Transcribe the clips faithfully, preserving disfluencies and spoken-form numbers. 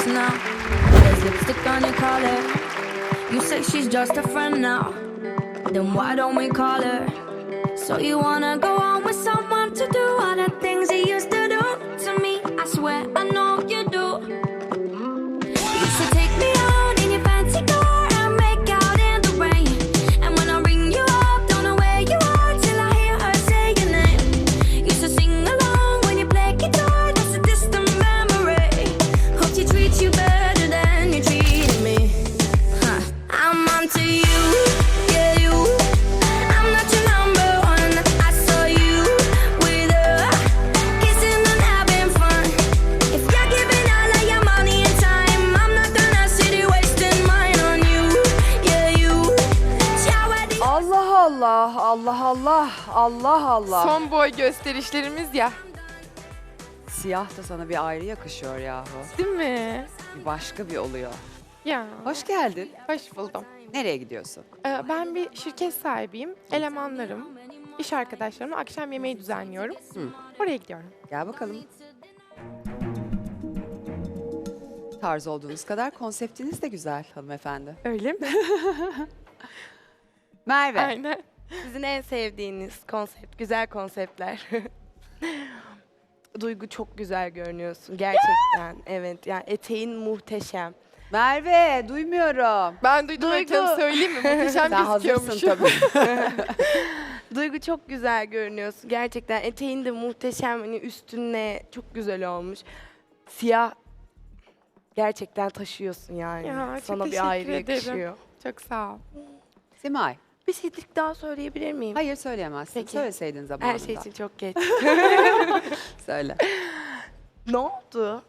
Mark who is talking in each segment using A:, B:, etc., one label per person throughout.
A: face now. There's lipstick on your collar. You say she's just a friend now. Then why don't we call her? So you wanna go on with someone to do all the things you used to do to me? I swear I know you do. You used to take me out in your fancy car and make out in the rain. And when I ring you up, don't know where you are till I hear her say your name. Used to sing along when you play guitar, that's a distant memory. Hope she treats you better than you treated me. Huh. I'm onto you, yeah you. I'm not your number one. I saw you with her, kissing and having fun. If you're giving all of your money and time, I'm not gonna sit here wasting mine on you, yeah you. Ciao at the
B: Allah Allah, Allah Allah, Allah Allah.
C: Son boy gösterişlerimiz ya.
B: Siyah da sana bir ayrı yakışıyor yahu.
C: Değil mi?
B: Bir başka bir oluyor.
C: Ya.
B: Hoş geldin.
C: Hoş buldum.
B: Nereye gidiyorsun?
C: Ee, ben bir şirket sahibiyim. Elemanlarım, iş arkadaşlarımla akşam yemeği düzenliyorum.
B: Hı.
C: Oraya gidiyorum.
B: Gel bakalım. Tarz olduğunuz kadar konseptiniz de güzel hanımefendi.
C: Öyle mi?
B: Merve.
C: Aynen.
D: Sizin en sevdiğiniz konsept, güzel konseptler. Duygu çok güzel görünüyorsun gerçekten. Evet yani eteğin muhteşem.
B: Merve, duymuyorum.
C: Ben duydum
D: Duygu.
C: ötemi söyleyeyim mi? Muhteşem
B: Sen hazırsın
C: gözüküyormuş.
B: tabii.
D: Duygu çok güzel görünüyorsun gerçekten. Eteğin de muhteşem, hani üstüne çok güzel olmuş. Siyah gerçekten taşıyorsun yani.
C: Ya, çok
D: Sana
C: teşekkür
D: bir ayrı
C: ederim.
D: yakışıyor.
C: Çok sağ ol.
B: Simay.
D: Bir şeylik daha söyleyebilir miyim?
B: Hayır söyleyemezsin.
D: Peki.
B: Söyleseydin zamanında.
D: Her şey için çok geç.
B: Söyle.
D: Ne oldu?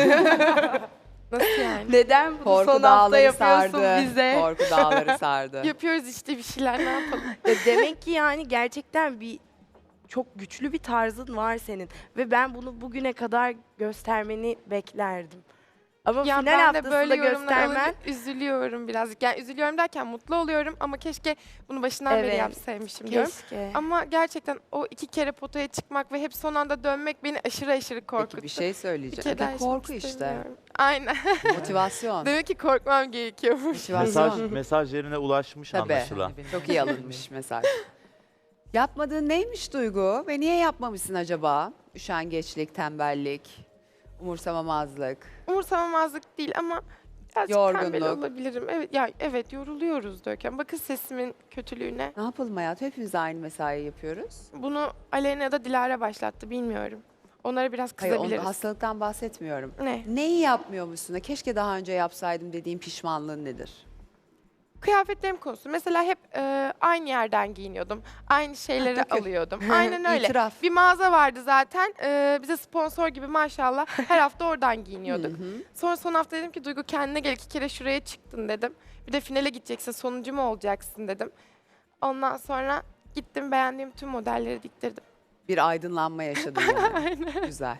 C: Nasıl yani?
D: Neden bunu
B: Korku
D: son hafta
B: dağları
D: yapıyorsun
B: sardı.
D: bize?
B: Korku dağları sardı.
C: Yapıyoruz işte bir şeyler, ne yapalım?
D: Ya demek ki yani gerçekten bir çok güçlü bir tarzın var senin ve ben bunu bugüne kadar göstermeni beklerdim. Ama
C: Ya
D: final
C: ben de
D: haftasında
C: böyle yorumlar
D: göstermen
C: alınca üzülüyorum birazcık. Yani üzülüyorum derken mutlu oluyorum ama keşke bunu başından beri
D: Evet,
C: yapsaymışım diyorum.
D: keşke.
C: Ama gerçekten o iki kere potaya çıkmak ve hep son anda dönmek beni aşırı aşırı korkuttu.
B: Peki bir şey
C: Bir
B: söyleyeceğim.
C: kere daha
B: Bir
C: yaşamak
B: korku işte.
C: istemiyorum. Aynen.
B: Motivasyon.
C: Demek ki korkmam gerekiyormuş.
E: Mesaj,
B: Motivasyon.
E: mesaj yerine ulaşmış
B: Tabii.
E: anlaşılan.
B: Çok iyi alınmış mesaj. Yapmadığın neymiş Duygu ve niye yapmamışsın acaba? Üşengeçlik, tembellik, umursamamazlık.
C: Umursamamazlık değil ama birazcık tembel
B: Yorgunluk.
C: olabilirim. Evet, ya evet yoruluyoruz Döken. Bakın sesimin kötülüğüne.
B: Ne yapalım hayatım? Hepimiz aynı mesai yapıyoruz.
C: Bunu Aleyna ya da Dilara başlattı bilmiyorum. Onlara biraz
B: Hayır,
C: kızabiliriz.
B: onu, hastalıktan bahsetmiyorum.
C: Ne?
B: Neyi yapmıyormuşsun da keşke daha önce yapsaydım dediğin pişmanlığın nedir?
C: Kıyafetlerim konusu. Mesela hep e, aynı yerden giyiniyordum. Aynı şeyleri
B: takıl.
C: alıyordum. Aynen öyle.
B: İtiraf.
C: Bir mağaza vardı zaten. E, bize sponsor gibi maşallah her hafta oradan giyiniyorduk.
B: Hı hı.
C: Sonra son hafta dedim ki Duygu kendine gel, iki kere şuraya çıktın dedim. Bir de finale gideceksin, sonuncu mu olacaksın dedim. Ondan sonra gittim, beğendiğim tüm modelleri diktirdim.
B: Bir aydınlanma yaşadın yani. Güzel.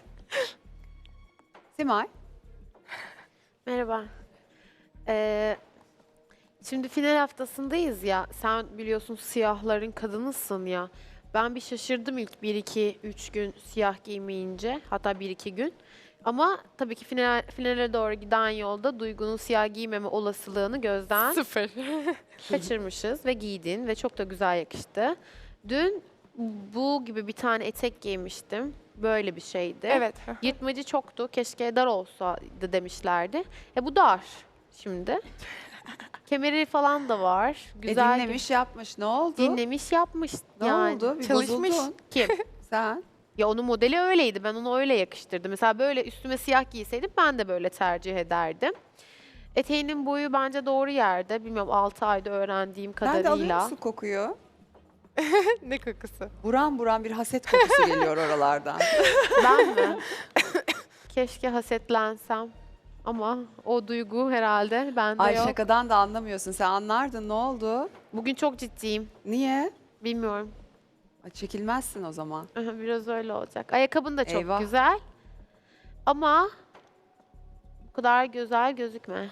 B: Simay.
F: Merhaba. Ee, şimdi final haftasındayız ya. Sen biliyorsun siyahların kadınısın ya. Ben bir şaşırdım ilk bir iki üç gün siyah giymeyince. Hatta bir iki gün. Ama tabii ki final, finale doğru giden yolda Duygu'nun siyah giymeme olasılığını gözden
C: Sıfır.
F: kaçırmışız ve giydin ve çok da güzel yakıştı. Dün bu gibi bir tane etek giymiştim. Böyle bir şeydi.
C: Evet.
F: Yırtmacı çoktu. Keşke dar olsaydı demişlerdi. E bu dar şimdi. Kemeri falan da var. Güzel.
B: E dinlemiş yapmış. Ne oldu?
F: Dinlemiş yapmış.
B: Ne
F: yani.
B: oldu? Bir
C: Çalışmış.
B: bozuldun.
F: Kim?
B: Sen?
F: Ya onun modeli öyleydi. Ben onu öyle yakıştırdım. Mesela böyle üstüme siyah giyseydim ben de böyle tercih ederdim. Eteğinin boyu bence doğru yerde. Bilmiyorum altı ayda öğrendiğim
B: Ben de alıyor
F: kadarıyla.
B: musun kokuyu?
C: Ne kokusu?
B: Buram buram bir haset kokusu geliyor oralardan.
F: Ben mi? Keşke hasetlensem. Ama o duygu herhalde bende
B: Ay
F: yok.
B: şakadan da anlamıyorsun. Sen anlardın. Ne oldu?
F: Bugün çok ciddiyim.
B: Niye?
F: Bilmiyorum.
B: Ay, çekilmezsin o zaman.
F: Biraz öyle olacak. Ayakkabın da çok
B: Eyvah.
F: güzel. Ama bu kadar güzel gözükme.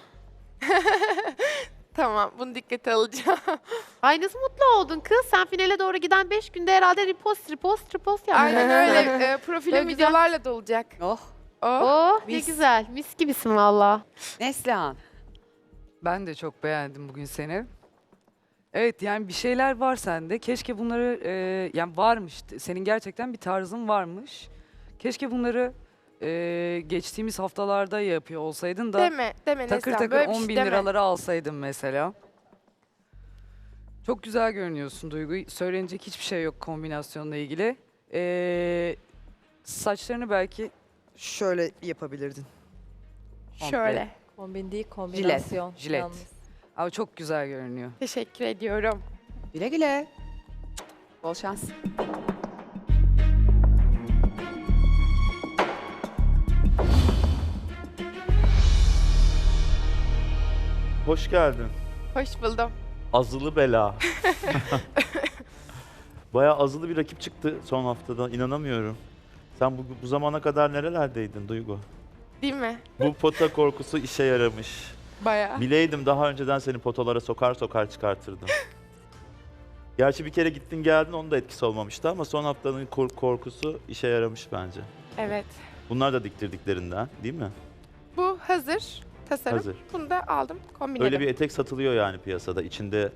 C: Tamam, bunu dikkate alacağım.
F: Ay nasıl mutlu oldun kız? Sen finale doğru giden beş günde herhalde repost, repost, repost yaptın.
C: Aynen öyle. E, profilim
F: Böyle güzel.
C: videolarla dolacak.
B: Oh.
C: Oh,
F: Oh ne
B: mis.
F: güzel. Mis gibisin valla.
B: Neslihan.
E: Ben de çok beğendim bugün seni. Evet yani bir şeyler var sende. Keşke bunları e, yani varmış. Senin gerçekten bir tarzın varmış. Keşke bunları e, geçtiğimiz haftalarda yapıyor olsaydın da
C: deme, deme
E: takır
C: Neslihan.
E: takır
C: Böyle bir
E: on
C: şey
E: bin
C: deme.
E: liraları alsaydın mesela. Çok güzel görünüyorsun Duygu. Söylenecek hiçbir şey yok kombinasyonla ilgili. E, saçlarını belki şöyle yapabilirdin.
C: Şöyle.
G: Kombin değil, kombinasyon.
E: jilet.
G: yalnız.
E: Ama çok güzel görünüyor.
C: Teşekkür ediyorum.
B: Güle güle. Bol şans.
H: Hoş geldin.
C: Hoş buldum.
H: Azılı bela. Bayağı azılı bir rakip çıktı son haftada. İnanamıyorum. Sen bu, bu zamana kadar nerelerdeydin Duygu?
C: Değil mi?
H: Bu pota korkusu işe yaramış.
C: Bayağı.
H: Bileydim daha önceden seni potalara sokar sokar çıkartırdım. Gerçi bir kere gittin geldin onun da etkisi olmamıştı ama son haftanın kor- korkusu işe yaramış bence.
C: Evet.
H: Bunlar da diktirdiklerinden değil mi?
C: Bu hazır. Tasarım.
H: Hazır.
C: Bunu da aldım. Kombinledim.
H: Öyle bir etek satılıyor yani piyasada. İçinde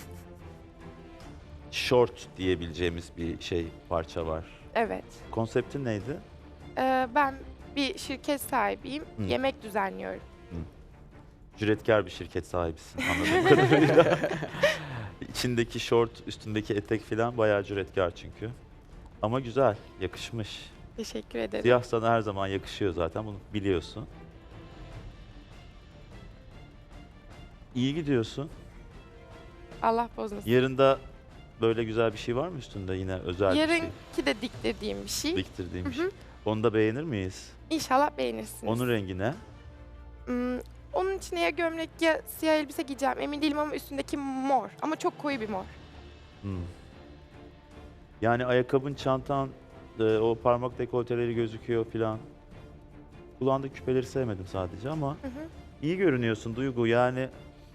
H: short diyebileceğimiz bir şey parça var.
C: Evet.
H: Konseptin neydi?
C: Ee, ben bir şirket sahibiyim.
H: Hı.
C: Yemek düzenliyorum.
H: Cüretkar bir şirket sahibisin anladığım kadarıyla. İçindeki şort, üstündeki etek falan bayağı cüretkar çünkü. Ama güzel, yakışmış.
C: Teşekkür ederim.
H: Siyah sana her zaman yakışıyor zaten, bunu biliyorsun. İyi gidiyorsun.
C: Allah bozmasın.
H: Yarın da böyle güzel bir şey var mı üstünde yine özel bir şey?
C: Yarınki de diktirdiğim bir şey.
H: Diktirdiğim bir
C: Hı
H: şey.
C: hı.
H: Onu da beğenir miyiz?
C: İnşallah beğenirsiniz.
H: Onun rengi ne?
C: Hmm, onun içine ya gömlek ya siyah elbise giyeceğim. Emin değilim ama üstündeki mor. Ama çok koyu bir mor.
H: Hmm. Yani ayakkabın, çantan, e, o parmak dekolteleri gözüküyor filan. Kulağındaki küpeleri sevmedim sadece ama
C: Hı hı.
H: iyi görünüyorsun Duygu yani.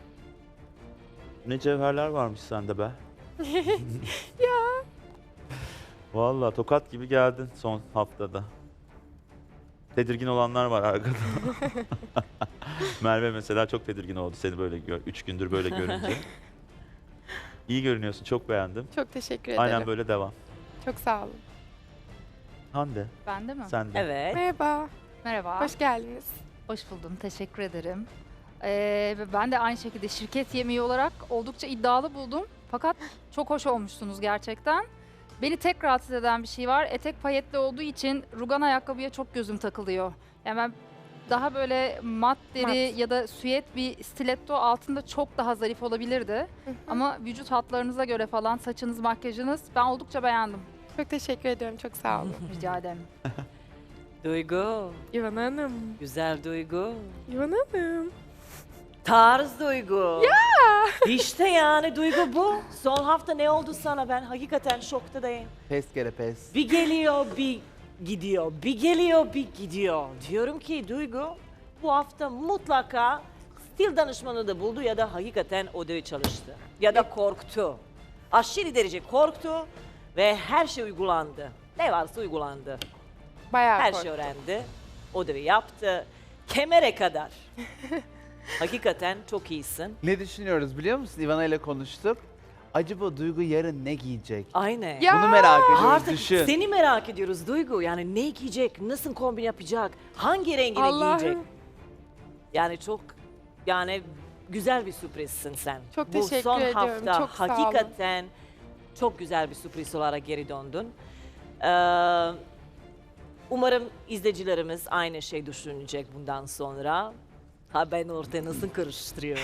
H: Ne cevherler varmış sende be.
C: Ya.
H: Vallahi tokat gibi geldin son haftada. Tedirgin olanlar var arkada. Merve mesela çok tedirgin oldu seni böyle gör, üç gündür böyle görünce. İyi görünüyorsun, çok beğendim.
C: Çok teşekkür ederim.
H: Aynen böyle devam.
C: Çok sağ olun.
H: Hande,
I: Ben de mi?
H: sen de.
G: Evet.
C: Merhaba.
I: Merhaba.
C: Hoş geldiniz.
I: Hoş buldum. Teşekkür ederim. Ee, ve ben de aynı şekilde şirket yemeği olarak oldukça iddialı buldum. Fakat çok hoş olmuşsunuz gerçekten. Beni tek rahatsız eden bir şey var. Etek payetli olduğu için rugan ayakkabıya çok gözüm takılıyor. Yani ben daha böyle mat deri
C: Mat.
I: ya da süet bir stiletto altında çok daha zarif olabilirdi.
C: Hı hı.
I: Ama vücut hatlarınıza göre falan saçınız, makyajınız ben oldukça beğendim.
C: Çok teşekkür ediyorum. Çok sağ olun.
I: Rica ederim.
G: Duygu.
C: İvan Hanım.
G: Güzel Duygu.
C: İvan Hanım.
G: Tarz Duygu. Ya. İşte yani Duygu bu. Son hafta ne oldu sana, ben hakikaten şoktadayım.
J: Pes kere pes.
G: Bir geliyor bir gidiyor. Bir geliyor bir gidiyor. Diyorum ki Duygu bu hafta mutlaka stil danışmanı da buldu ya da hakikaten o da çalıştı. Ya da korktu. Aşırı derece korktu ve her şey uygulandı. Ne varsa uygulandı.
C: Bayağı
G: Her
C: korktum.
G: şey öğrendi. O da yaptı. Kemere kadar. Hakikaten çok iyisin.
J: Ne düşünüyoruz biliyor musun? Ivana ile konuştuk. Acaba Duygu yarın ne giyecek?
G: Aynen.
C: Ya.
J: Bunu merak ediyoruz.
G: Artık
J: Düşün.
G: seni merak ediyoruz Duygu. Yani ne giyecek, nasıl kombin yapacak, hangi rengini
C: Allah'ım.
G: giyecek? Yani çok yani güzel bir sürprizsin sen.
C: Çok
G: Bu
C: teşekkür
G: son
C: ediyorum.
G: hafta
C: Çok sağ olun.
G: hakikaten çok güzel bir sürpriz olarak geri döndün. Ee, umarım izleyicilerimiz aynı şey düşünecek bundan sonra. Ha ben ortaya nasıl karıştırıyorum.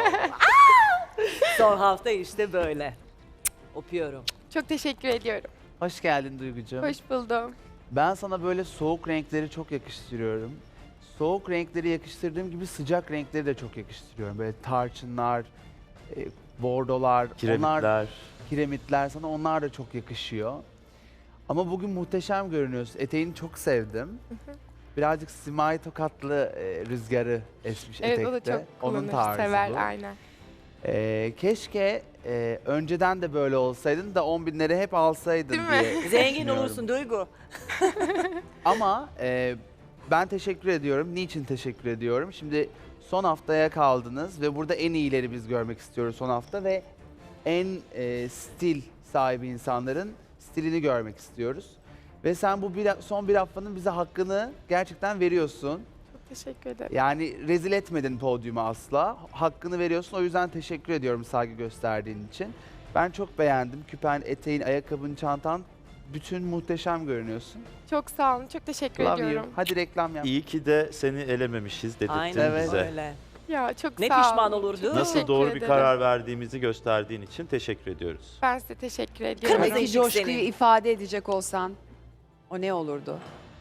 G: Son hafta işte böyle. Öpüyorum.
C: Çok teşekkür ediyorum.
J: Hoş geldin Duygucuğum.
C: Hoş buldum.
J: Ben sana böyle soğuk renkleri çok yakıştırıyorum. Soğuk renkleri yakıştırdığım gibi sıcak renkleri de çok yakıştırıyorum. Böyle tarçınlar, e, bordolar, onlar,
H: Kiremitler.
J: kiremitler sana onlar da çok yakışıyor. Ama bugün muhteşem görünüyorsun. Eteğini çok sevdim. Birazcık Simay Tokatlı e, rüzgarı esmiş
C: Evet
J: etekte.
C: o da çok
J: Onun
C: kullanır,
J: tarzı
C: sever
J: bu.
C: aynen.
J: Ee, keşke e, önceden de böyle olsaydın da on binleri hep alsaydın
C: Değil mi?
J: diye
G: Zengin
J: düşünüyorum.
G: olursun Duygu.
J: Ama e, Ben teşekkür ediyorum. Niçin teşekkür ediyorum? Şimdi son haftaya kaldınız ve burada en iyileri biz görmek istiyoruz son hafta ve en e, stil sahibi insanların stilini görmek istiyoruz. Ve sen bu bir, son bir haftanın bize hakkını gerçekten veriyorsun.
C: Çok teşekkür ederim.
J: Yani rezil etmedin podyumu asla. Hakkını veriyorsun. O yüzden teşekkür ediyorum saygı gösterdiğin için. Ben çok beğendim. Küpen, eteğin, ayakkabın, çantan. Bütün muhteşem görünüyorsun.
C: Çok sağ olun. Çok teşekkür
J: Love
C: ediyorum.
J: you. Hadi reklam yap.
H: İyi ki de seni elememişiz dedirttin
G: Aynen
J: Evet.
H: bize.
G: öyle.
C: Ya çok
G: Ne
C: sağ olun.
G: pişman olurdu?
C: Çok
H: Nasıl
C: teşekkür
H: doğru bir
C: ederim.
H: karar verdiğimizi gösterdiğin için teşekkür ediyoruz.
C: Ben size teşekkür ediyorum.
G: Kırmızı
B: Buradaki
G: ışık
B: coşkuyu
G: senin.
B: ifade edecek olsan o ne olurdu?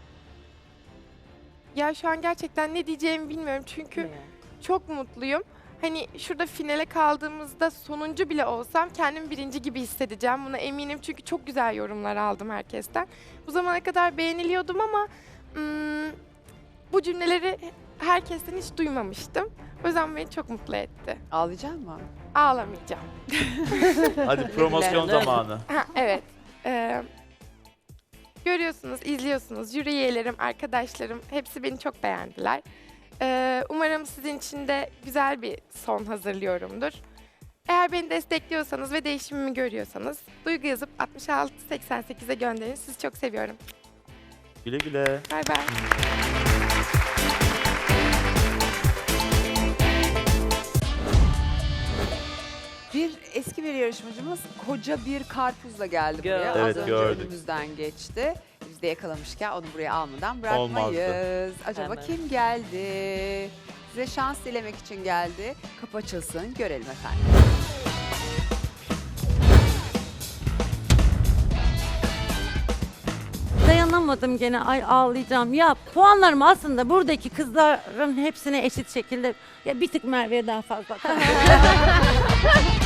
C: Ya şu an gerçekten ne diyeceğimi bilmiyorum çünkü
G: Ne?
C: çok mutluyum. Hani şurada finale kaldığımızda sonuncu bile olsam kendimi birinci gibi hissedeceğim. Buna eminim çünkü çok güzel yorumlar aldım herkesten. Bu zamana kadar beğeniliyordum ama ım, bu cümleleri herkesten hiç duymamıştım. O yüzden beni çok mutlu etti.
B: Ağlayacak mı?
C: Ağlamayacağım.
H: Hadi promosyon
G: Güzel.
H: zamanı.
C: Ha, evet. Ee, görüyorsunuz, izliyorsunuz. Jüri üyelerim, arkadaşlarım hepsi beni çok beğendiler. Ee, umarım sizin için de güzel bir son hazırlıyorumdur. Eğer beni destekliyorsanız ve değişimimi görüyorsanız duygu yazıp altmış altı seksen sekize gönderin. Sizi çok seviyorum.
H: Güle güle.
C: Bay bay.
B: Bir eski bir yarışmacımız koca bir karpuzla geldi buraya.
G: Gördüm.
B: Az
H: Evet,
B: önce
H: gördük.
B: önümüzden geçti. Biz de yakalamışken onu buraya almadan bırakmayız.
H: Olmazdı.
B: Acaba
G: Hemen.
B: kim geldi? Size şans dilemek için geldi. Kapı açılsın, görelim efendim.
K: Dayanamadım gene, ay ağlayacağım. Ya puanlarım aslında buradaki kızların hepsine eşit şekilde, ya bir tık Merve'ye daha fazla.